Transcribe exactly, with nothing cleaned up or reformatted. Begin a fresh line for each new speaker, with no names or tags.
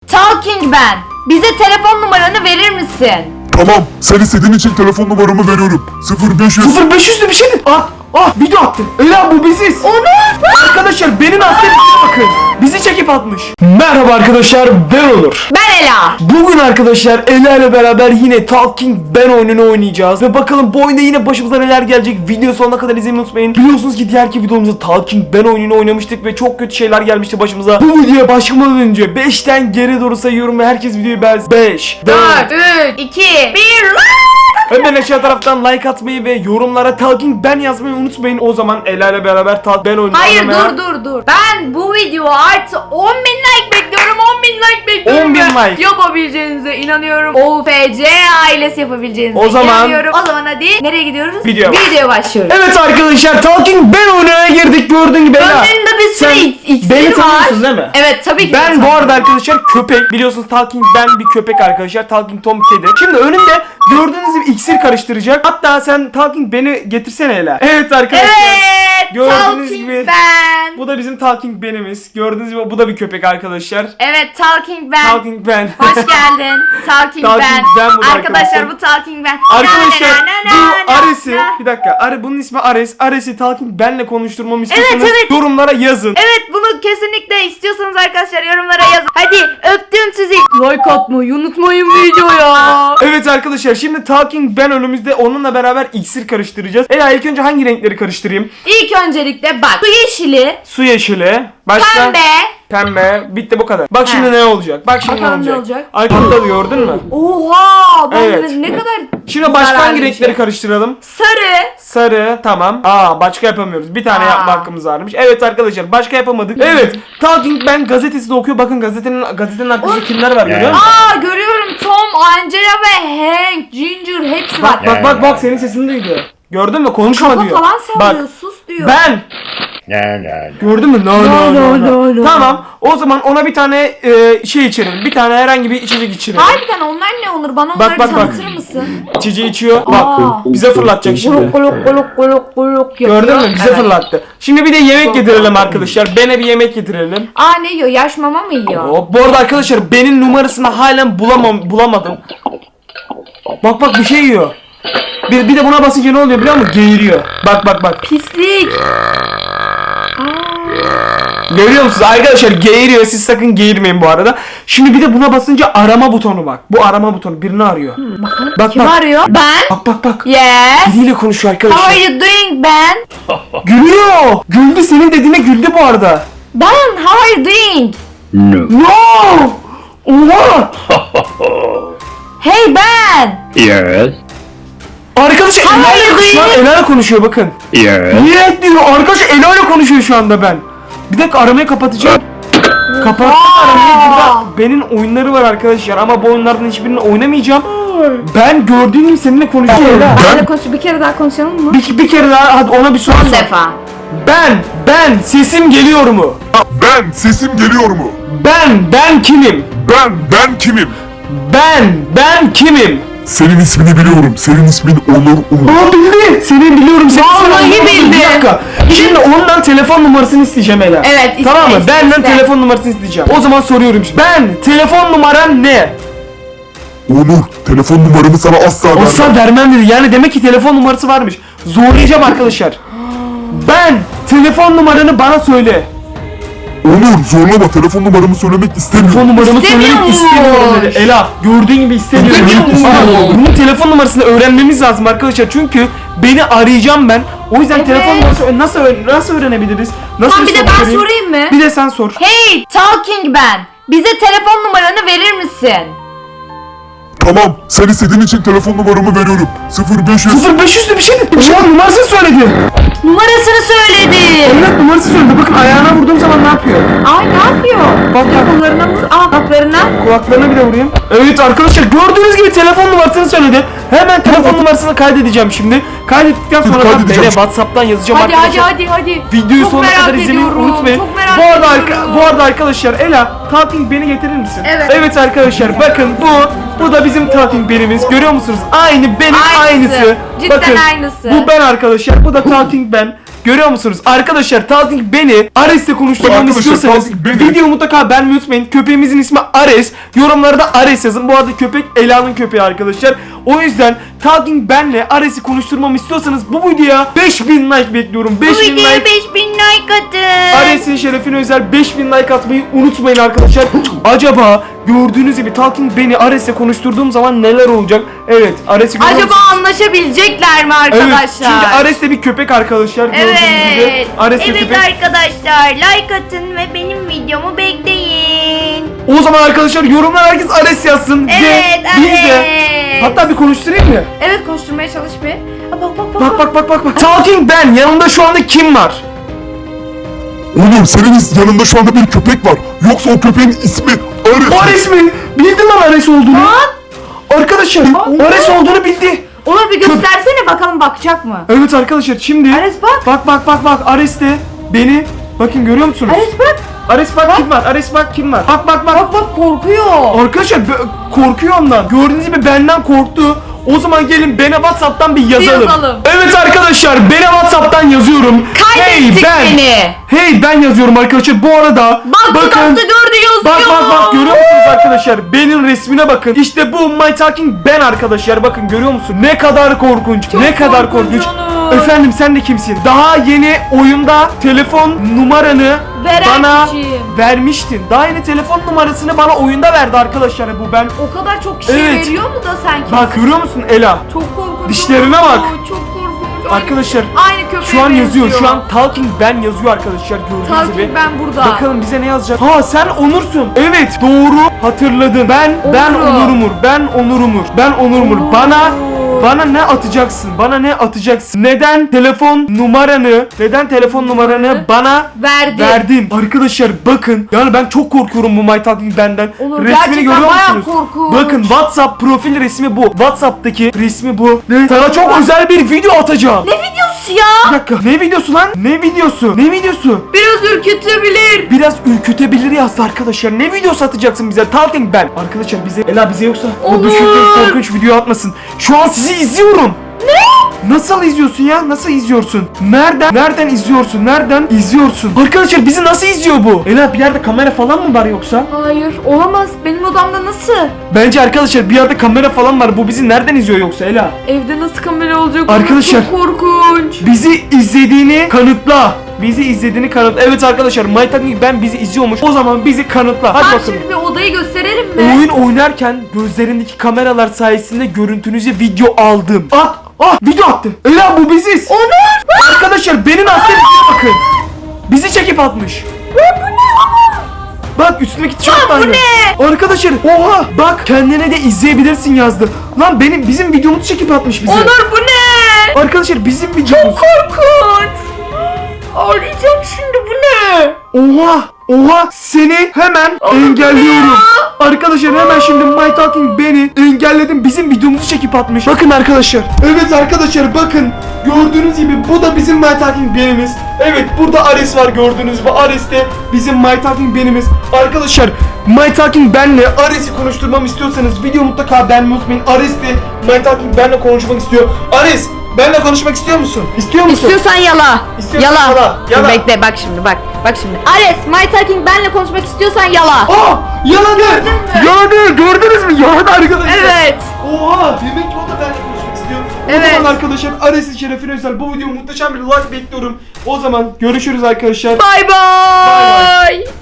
Talking Ben. Bize telefon numaranı verir misin?
Tamam, sen istediğin için telefon numaramı veriyorum. sıfır beş yüz.
sıfır beş yüzlü bir şey mi? Ah, ah video attı. Ela bu biziz.
Onu.
Arkadaşlar benim attığım videoya bakın. Bizi çekip atmış. Merhaba arkadaşlar, ben Onur.
Ben Ela.
Bugün arkadaşlar Ela ile beraber yine Talking Ben oyununu oynayacağız. Ve bakalım bu oyunda yine başımıza neler gelecek. Video sonuna kadar izlemeyi unutmayın. Biliyorsunuz ki diğerki videomuzda Talking Ben oyununu oynamıştık ve çok kötü şeyler gelmişti başımıza. Bu videoya başlamadan önce beşten geri doğru sayıyorum ve herkes videoyu beğensin. beş,
dört, üç, iki, bir.
Hemen aşağı taraftan like atmayı ve yorumlara Talking Ben yazmayı unutmayın. O zaman Ela ile beraber Talking Ben oyunu
Hayır
oynamaya...
dur dur dur. Ben bu video artı on bin like bekliyorum. on bin like bekliyorum.
on bin
ve
like.
Yapabileceğinize inanıyorum. O F C ailesi yapabileceğinize
O zaman-
inanıyorum. O zaman hadi nereye gidiyoruz?
Videoya bak.
Videoya başlıyoruz.
Evet arkadaşlar Talking Ben oyununa girdik, gördüğün gibi Ela.
Önlerinde bir sürü
Sen
iksir
beni
var.
tanıyorsun değil mi?
Evet tabii ki.
Ben bu arada arkadaşlar köpek. Biliyorsunuz Talking Ben bir köpek arkadaşlar. Talking Tom kedi. Şimdi önümde gördüğünüz gibi iksir karıştıracak. Hatta sen Talking Ben'i getirsene Ela. Evet arkadaşlar.
Evet.
Gördüğünüz
Talking
gibi-
Ben.
Bu da bizim Talking Ben'imiz. Gördüğünüz gibi bu da bir köpek arkadaşlar.
Evet Talking Ben.
Talking Ben.
Hoş geldin. Talking,
Talking
Ben.
Ben bu da
Arkadaşlar
arkadaşlar.
bu Talking Ben.
Arkadaşlar
Na, na, na,
bu
na, na,
Ares'i
na.
bir dakika Are, bunun ismi Ares. Ares'i Talking Ben'le konuşturmamı istiyorsanız
Evet, evet.
yorumlara yazın.
Evet bunu kesinlikle istiyorsanız arkadaşlar yorumlara yazın. Hadi öptüm sizi. Like atmayı unutmayın videoya.
Evet arkadaşlar şimdi Talking Ben önümüzde, onunla beraber iksir karıştıracağız. Ela ilk önce hangi renkleri karıştırayım?
İlk öncelikle bak. Su yeşili,
Su yeşili, başka
pembe.
pembe, bitti bu kadar. Bak şimdi
He.
ne olacak? Bak şimdi
Bakalım
ne
ne
olacak?
olacak?
Arkada gördün mü?
Oha! Ben
Evet.
ne kadar
Şimdi başka
zararlı
hangi
bir
renkleri
şey.
karıştıralım?
Sarı.
Sarı, tamam. Aa başka yapamıyoruz. Bir tane
Aa.
yapma hakkımız varmış. Evet arkadaşlar başka yapamadık. Evet. Talking Ben gazetesi de okuyor. Bakın gazetenin gazetenin arkasında kimler var görüyor musun?
Aa görüyorum Tom, Angela ve Hank, Ginger hepsi var.
Bak bak bak bak senin sesini duydu. Gördün mü? Konuşma
Kafa
diyor.
falan sallıyor,
Bak.
sus diyor.
Ben.
La la la.
Gördün mü? No no no, no.
no.
Tamam. O zaman ona bir tane e, şey içelim. Bir tane herhangi bir içecek içelim.
Harbiden onlar ne olur? Bana onları
bak, bak.
tanıtır mısın?
İçeceği içiyor.
Aa.
Bak. Bize fırlatacak şimdi.
Guluk guluk guluk guluk guluk yapıyor.
Gördün mü? Bize
Evet.
fırlattı. Şimdi bir de yemek getirelim arkadaşlar. Ben'e bir yemek getirelim.
Aa ne yiyor? Yaş mama mı yiyor?
Hop. Bu arada arkadaşlar Ben'in numarasını halen bulamam bulamadım. Bak bak bir şey yiyor. Bir, bir de buna basınca ne oluyor biliyor musun? Geğiriyor. Bak bak bak.
Pislik.
Görüyor musunuz arkadaşlar, geğiriyor, siz sakın geğirmeyin bu arada. Şimdi bir de buna basınca arama butonu bak. Bu arama butonu birini arıyor.
Bakalım.
Bak
Kim
bak.
arıyor? Ben.
Bak bak bak.
Yes.
Biriyle konuşuyor
How
arkadaşlar.
are you doing Ben?
Gülüyor. Güldü, senin dediğine güldü bu arada.
Ben, how are you doing?
No.
No! Oha!
Hey Ben.
Yes.
Arkadaşlar
How are you
Ela'yla şu an
doing?
Ela'yla konuşuyor bakın.
Yes.
Niye diyor arkadaşlar, Ela'yla konuşuyor şu anda ben. Bir dakika aramayı kapatacağım. Kapattım aramayı. Burada Ben'in oyunları var arkadaşlar ama bu oyunlardan hiçbirini oynamayacağım. Ben gördüğün gibi seninle konuşuyorum.
Benle konuş, bir kere daha konuşalım mı?
Bir, bir kere daha hadi ona bir soru
Bir
sor.
defa.
Ben, ben sesim geliyor mu?
Ben, sesim geliyor mu?
Ben, ben kimim?
Ben, ben kimim?
Ben, ben kimim?
Senin ismini biliyorum. Senin ismin Onur Uğur.
Aa bildi. Seni biliyorum. Seni
Vallahi
sana-
bildi.
Bir dakika. Şimdi ondan telefon numarasını isteyeceğim Ela.
Evet, iste,
Tamam mı?
iste,
Benden
iste.
telefon numarasını isteyeceğim. O zaman soruyorum şimdi. Ben, telefon numaran ne?
Onur, telefon numaramı sana asla vermem.
Asla vermem dedi. Yani demek ki telefon numarası varmış. Zorlayacağım arkadaşlar. Ben, telefon numaranı bana söyle.
Onur, zorlama. Telefon numaramı söylemek istemiyorum.
Telefon numaramı söylemek
İstemiyormuş.
istemiyorum dedi. Ela, gördüğün gibi istemiyorum.
İstemiyormuş.
Aa, bunun telefon numarasını öğrenmemiz lazım arkadaşlar. Çünkü beni arayacağım ben. O yüzden
Evet.
telefon numarası nasıl öğren- nasıl öğrenebiliriz? Nasıl
Tamam bir de
soru
ben
sorayım?
sorayım mı?
Bir de sen sor.
Hey Talking Ben. Bize telefon numaranı verir misin?
Tamam, sen istediğin için telefon numaramı veriyorum. sıfır beş yüz.
sıfır beş yüzlü bir şey dedi. Şu an numarasını söyledi.
Numarasını söyledi.
Evet numarası söyledi. Bakın ayağına vurduğum zaman ne yapıyor?
Ay ne yapıyor?
Bak bak.
Kollarına vur. Aa kulaklarına.
Kulaklarına bir de vurayım. Evet arkadaşlar gördüğünüz gibi telefon numarasını söyledi. Hemen telefon numarasını kaydedeceğim şimdi. Kaydettikten sonra ben
Kaydedeceğim.
beni WhatsApp'tan yazacağım
Hadi hadi
arkadaşlar.
hadi hadi.
Videoyu
Çok
sonuna
merak
kadar izlemeyi
ediyorum,
unutmayın.
Çok merak
Bu arada
ediyorum.
arka, bu arada arkadaşlar Ela Talking Ben'i getirir misin?
Evet.
Evet arkadaşlar bakın bu bu da bizim Talking Ben'imiz. Görüyor musunuz? Aynı benim
Aynısı.
aynısı.
Cidden
bakın,
aynısı.
Bu ben arkadaşlar. Bu da Talking Ben. Görüyor musunuz? Arkadaşlar Talking beni Ares'le konuşturmamı
Arkadaşlar,
istiyorsanız
Talking beni-
video mutlaka beğenmeyi unutmayın. Köpeğimizin ismi Ares. Yorumlarda Ares yazın. Bu arada köpek Ela'nın köpeği arkadaşlar. O yüzden Talking benle Ares'i konuşturmamı istiyorsanız bu videoya beş bin like bekliyorum.
Bu
beş bin
videoya
like.
beş bin like atın.
Ares'in şerefine özel beş bin like atmayı unutmayın arkadaşlar. Acaba gördüğünüz gibi Talking beni Ares'le konuşturduğum zaman neler olacak? Evet, Ares'i görüyor
Acaba
musunuz?
anlaşabilecekler mi
Evet,
arkadaşlar?
çünkü Ares de bir köpek arkadaşlar gördüğünüz gibi.
Evet.
Ares de
Evet
köpek.
arkadaşlar, like atın ve benim videomu bekleyin.
O zaman arkadaşlar yorumlar herkes Ares yazsın.
Evet,
ve biz de
Ares.
hatta bir konuşturayım mı?
Evet, konuşturmaya çalış bir. Aa, Bak bak bak.
Bak bak bak bak bak. Talking ben. Yanımda şu anda kim var?
Oğlum senin yanında şu anda bir köpek var. Yoksa o köpeğin ismi Ares.
Ares mi? Bildi lan Ares olduğunu. Arkadaşlar Ares olduğunu bildi.
Onur bir göstersene bakalım, bakacak mı?
Evet arkadaşlar şimdi.
Ares bak.
Bak bak bak bak Ares de beni. Bakın görüyor musunuz?
Ares bak.
Ares bak, kim var? Ares bak kim var? Bak bak bak.
Bak bak, korkuyor.
Arkadaşlar bö- korkuyor ondan. Gördüğünüz gibi benden korktu. O zaman gelin bana WhatsApp'tan bir yazalım.
yazalım.
Evet arkadaşlar bana WhatsApp'tan yazıyorum.
Kaydettik
ben.
seni.
Hey ben yazıyorum arkadaşlar. Bu arada
Bak
bakın.
dudakta gördü yazıyor.
Bak bak bak görüyor musunuz arkadaşlar? Benim resmine bakın. İşte bu My Talking ben arkadaşlar. Bakın görüyor musun? Ne kadar korkunç. ne kadar
korkunç
korkunç.
Onur.
Efendim sen de kimsin? Daha yeni oyunda telefon numaranı
Veren
bana
kişiyim.
vermiştin. Daha yeni telefon numarasını bana oyunda verdi arkadaşlar bu ben.
O kadar çok şey
Evet.
veriyor mu da sanki?
Bak görüyor musun Ela?
Çok korkunç.
Dişlerine
Onur.
bak.
Çok korkunç.
Arkadaşlar
Aynı köpeğe
şu an yazıyor.
benziyor.
Şu an Talking ben yazıyor arkadaşlar gördüğünüz
Talking
gibi.
ben burada.
Bakalım bize ne yazacak? Ha sen Onur'sun. Evet doğru hatırladın. Ben ben
Onur.
Onur'umur. Ben Onur'umur. Ben Onur'umur.
Onur.
Bana bana ne atacaksın? Bana ne atacaksın? Neden telefon numaranı? Neden telefon numaranı bana
Verdi.
verdin? Arkadaşlar bakın. Yani ben çok korkuyorum bu My Talking benden.
Onur,
Resmini
gerçekten
görüyor
bayağı
musunuz?
korkunç.
Bakın WhatsApp profil resmi bu. WhatsApp'taki resmi bu. Ne? Sana çok özel bir video atacağım.
Ne videosu
Bir
ya?
dakika. Ne videosu lan? Ne videosu? Ne videosu?
Biraz ürkütebilir.
Biraz ürkütebilir yazdı arkadaşlar. Ne video satacaksın bize? Talking ben. Arkadaşlar bize Ela bize yoksa o
Olur.
düşündüğüm korkunç video atmasın. Şu an sizi izliyorum. Ne? Nasıl izliyorsun ya? Nasıl izliyorsun? Nereden? Nereden izliyorsun? Nereden izliyorsun? Arkadaşlar bizi nasıl izliyor bu? Ela bir yerde kamera falan mı var yoksa?
Hayır, olamaz. Benim odamda nasıl?
Bence arkadaşlar bir yerde kamera falan var. Bu bizi nereden izliyor yoksa Ela?
Evde nasıl kamera olacak?
Arkadaşlar.
Çok korkunç.
Bizi izlediğini kanıtla. Bizi izlediğini kanıtla. Evet arkadaşlar My Talking ben bizi izliyormuş. O zaman bizi kanıtla. Hadi
Ben
bakalım.
şimdi bir odayı gösterelim mi?
Oyun oynarken gözlerindeki kameralar sayesinde görüntünüzü video aldım. At! Ah! Video attı. Ela bu biziz.
Onur!
Arkadaşlar benim attığım videoya bakın. Bizi çekip atmış. Bak üstündeki tişört var.
bu ne?
Arkadaşlar oha bak kendine de izleyebilirsin yazdı. Lan benim bizim videomuzu çekip atmış bize.
Onur bu ne?
Arkadaşlar bizim videomuz.
Korkunç. Ağlayacağım şimdi, bu ne?
Oha! Oha! Seni hemen engelliyorum. Arkadaşlar hemen şimdi My Talking beni engelledim. Bizim videomuzu çekip atmış. Bakın arkadaşlar. Evet arkadaşlar bakın. Gördüğünüz gibi bu da bizim My Talking benimiz. Evet burada Ares var gördüğünüz gibi. Ares de bizim My Talking benimiz. Arkadaşlar My Talking benle Ares'i konuşturmamı istiyorsanız video mutlaka beğenmeyi unutmayın. Ares de My Talking benle konuşmak istiyor. Ares benle konuşmak istiyor musun? İstiyor musun?
İstiyorsan yala.
İstiyorsan
Yala.
yala, yala.
Dur, bekle, bak şimdi, bak. Bak şimdi. Ares, My Talking benle konuşmak istiyorsan yala.
Aa! Yaladı!
Gördün mü?
Yaladı! Gördünüz mü? Yaladı arkadaşlar.
Evet.
Oha! Demek ki o da benimle konuşmak istiyor.
Evet.
O zaman arkadaşlar Ares'in şerefine özel bu videoya muhteşem bir like bekliyorum. O zaman görüşürüz arkadaşlar.
Bay
Bay
bay.